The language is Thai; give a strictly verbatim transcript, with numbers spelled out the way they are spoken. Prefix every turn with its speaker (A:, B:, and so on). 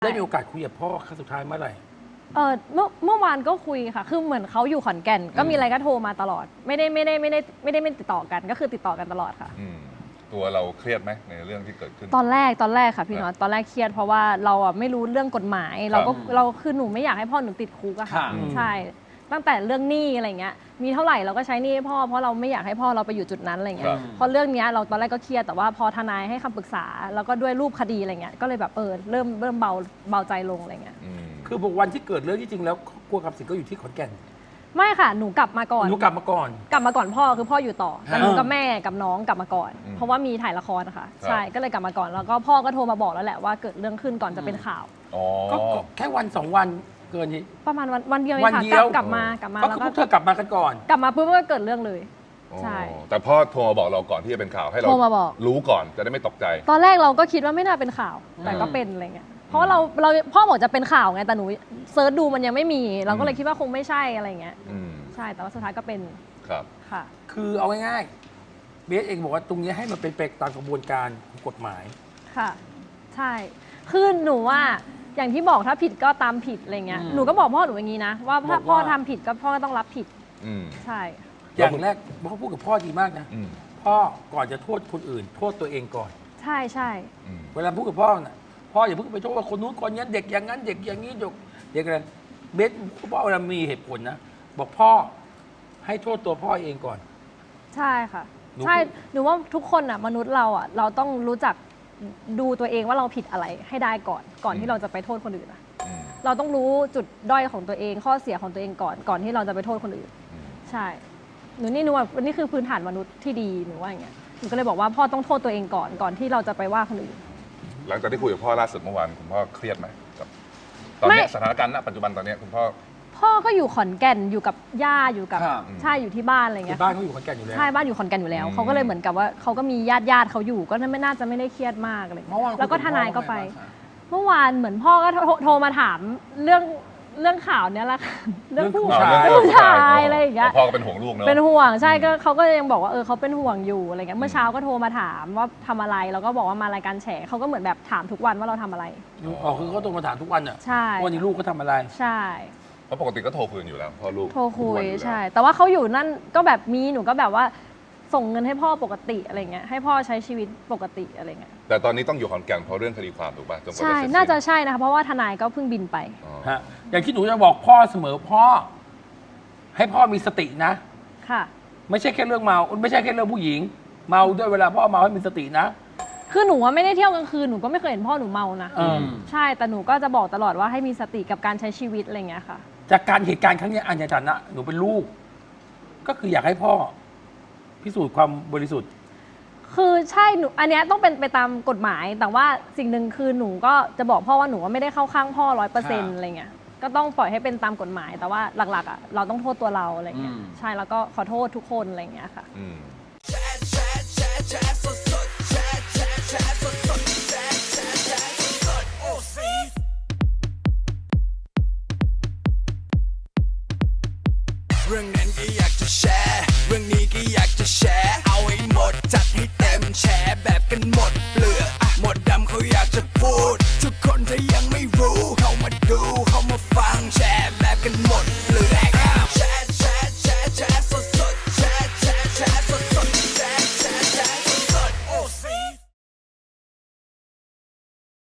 A: ได้มีโอกาสคุยกับพ่อครั้งสุดท้ายเมื่อไหร่
B: เออเมื่อเมื่อวานก็คุยค่ะคือเหมือนเขาอยู่ขอนแก่นก็มีอะไรก็โทรมาตลอดไม่ได้ไม่ได้ไม่ได้ไม่ได้ไม่ติดต่อกันก็คือติดต่อกันตลอดค่ะ
C: ตัวเราเครียดไหมในเรื่องที่เกิดขึ้น
B: ตอนแรกตอนแรกค่ะพี่น็อตตอนแรกเครียดเพราะว่าเราอ่ะไม่รู้เรื่องกฎหมายเราก็เราคือหนูไม่อยากให้พ่อหนูติดคุกอะค่ะใช่ตั้งแต่เรื่องหนี้อะไรเงี้ยมีเท่าไหร่เราก็ใช้หนี้ให้พ่อเพราะเราไม่อยากให้พ่อเราไปอยู่จุดนั้นอะไรเงี้ยเพราะเรื่องนี้เราตอนแรกก็เครียดแต่ว่าพอทนายให้คำปรึกษาแล้วก็ด้วยรูปคดีอะไรเงี้ยก็เลยแบบเออเริ่มเริ่มเบาเบาใจลงอะไรเงี้ย
A: คือบอกวันที่เกิดเรื่องที่จริงแล้วครัวคำสิงก็อยู่ที่ขอนแก่น
B: ไม่ค่ะหนูกลับมาก่อน
A: หนูกลับมาก่อน
B: กลับมาก่อนพ่อคือพ่ออยู่ต่อแต่หนูกับแม่กับน้องกลับมาก่อนเพราะว่ามีถ่ายละครนะคะใช่ก็เลยกลับมาก่อนแล้วก็พ่อก็โทรมาบอกแล้วแหละว่าเกิดเรื่องขึ้นก่อนจะเป็นข่าว
A: ก็แค่วันสองวันเกินนี้
B: ประมาณวันวันเดียว
A: วัน
B: ค่ะ
A: เดียว
B: กลับมากลับมา
A: แล้วก็พวกเธอกลับมากันก่อน
B: กลับมาปุ๊บก็เกิดเรื่องเลยใช่
C: แต่พ่อโทรมาบอกเราก่อนที่จะเป็นข่าวให้เรา
B: โทรมาบอก
C: รู้ก่อนจะได้ไม่ตกใจ
B: ตอนแรกเราก็คิดว่าไม่น่าเป็นข่าวแต่ก็เป็นอะไรเงี้ยเพราะเราเราพ่อบอกจะเป็นข่าวไงแต่หนูเซิร์ชดูมันยังไม่มีเราก็เลยคิดว่าคงไม่ใช่อะไรเงี้ยใช่แต่ว่าสุดท้ายก็เป็น
C: ครับ
B: ค่ะ
A: คือเอาง่ายๆเบสเองบอกว่าตรงนี้ให้มันเป็นไปตามกระบวนการของกฎหมาย
B: ค่ะใช่คือหนูว่าอย่างที่บอกถ้าผิดก็ตามผิดอะไรเงี้ยหนูก็บอกพ่อหนูอย่างนี้นะว่าถ้าพ่อทำผิดก็พ่อก็ต้องรับผิดใช่
A: อย่างแรกพ่อพูดกับพ่อดีมากนะพ่อก่อนจะโทษคนอื่นโทษตัวเองก่อน
B: ใช่ใช่
A: เวลาพูดกับพ่อน่ะพ่ออย่าเพิ่งไปโทษว่าคนนู้นคนนี้เด็กอย่างนั้นเด็กอย่างนี้เด็กเด็กอะไรเบสพ่อเวลามีเหตุผลนะบอกพ่อให้โทษตัวพ่อเองก่อน
B: ใช่ค่ะใช่หนูว่าทุกคนอ่ะมนุษย์เราอ่ะเราต้องรู้จักดูตัวเองว่าเราผิดอะไรให้ได้ก่อนก่อนที่เราจะไปโทษคนอื่นอะเราต้องรู้จุดด้อยของตัวเองข้อเสียของตัวเองก่อนก่อนที่เราจะไปโทษคนอื่นใช่หนูนี่หนูว่านี่คือพื้นฐานมนุษย์ที่ดีหนูว่าอย่างเงี้ยหนูก็เลยบอกว่าพ่อต้องโทษตัวเองก่อนก่อนที่เราจะไปว่าคนอื่น
C: หลังจากที่คุยกับพ่อล่าสุดเมื่อวานคุณพ่อเครียดไหมกับตอนนี้สถานการณ์ณปัจจุบันตอนนี้คุณพ่อ
B: พ่อก็อยู่ขอนแก่นอยู่กับย่าอยู่กับใช่อยู่ที่บ้านอะไรเงี้ย
A: บ้านเขาอยู่ขอนแก่นอยู่แล้ว
B: ใช่บ้านอยู่ขอนแก่นอยู่แล้วเขาก็เลยเหมือนกับว่าเขาก็มีญาติญาติเขาอยู่ก็ไม่น่าจะไม่ได้เครียดมากอะไรแล้วก็ทนายก็ไปเมื่อวานเหมือนพ่อก็โทรมาถามเรื่องเรื่องข่าวเนี้ยแหละ
A: เรื่องผู้
B: ชายผู้ชายอะไรอย่างเงี้ย
C: พ่อก็เป็นห่วงลูกเนอะ
B: เป็นห่วงใช่ก็เขาก็ยังบอกว่าเออเขาเป็นห่วงอยู่อะไรเงี้ยเมื่อเช้าก็โทรมาถามว่าทำอะไรแล้วก็บอกว่ามารายการแฉเขาก็เหมือนแบบถามทุกวันว่าเราทำอะไร
A: อ๋อคือเขาโทรมาถามทุกวันอ่ะ
B: ใช่
A: วันนี้ลูกเขาทำอะไร
B: ใช่
C: เพราะปกติก็โทรคุยอยู่แล้วพ่อลูก
B: โทรคุยใช่แต่ว่าเขาอยู่นั่นก็แบบมีหนูก็แบบว่าส่งเงินให้พ่อปกติอะไรเงี้ยให้พ่อใช้ชีวิตปกติอะไรเงี้ย
C: แต่ตอนนี้ต้องอยู่ขอนแก่นเพราะเรื่องคดีความถูกป่ะจนกว่าจะ
B: ใช่น่าจะใช่นะคะเพราะว่าทนายก็เพิ่งบินไป
A: ฮะอย่างที่หนูจะบอกพ่อเสมอพ่อให้พ่อมีสตินะ
B: ค่ะ
A: ไม่ใช่แค่เรื่องเมาไม่ใช่แค่เรื่องผู้หญิงเมาด้วยเวลาพ่อเมาให้มีสตินะ
B: คือหนูว่าไม่ได้เที่ยวกลางคืนหนูก็ไม่เคยเห็นพ่อหนูเมานะใช่แต่หนูก็จะบอกตลอดว่าให้มีสติกับการใช้ชีวิตอะไรเงี้ยค่ะ
A: จากการเหตุการณ์ครั้งนี้อันในฐานะหนูเป็นลูกก็คืออยากให้พ่อพิสูจน์ความบริสุทธิ์
B: คือใช่หนูอันนี้ต้องเป็นไปตามกฎหมายแต่ว่าสิ่งหนึ่งคือหนูก็จะบอกพ่อว่าหนูว่าไม่ได้เข้าข้างพ่อร้อยเปอร์เซ็นต์อะไรเงี้ยก็ต้องปล่อยให้เป็นตามกฎหมายแต่ว่าหลักๆอ่ะเราต้องโทษตัวเราอะไรเงี้ยใช่แล้วก็ขอโทษทุกคนอะไรเงี้ยค่ะ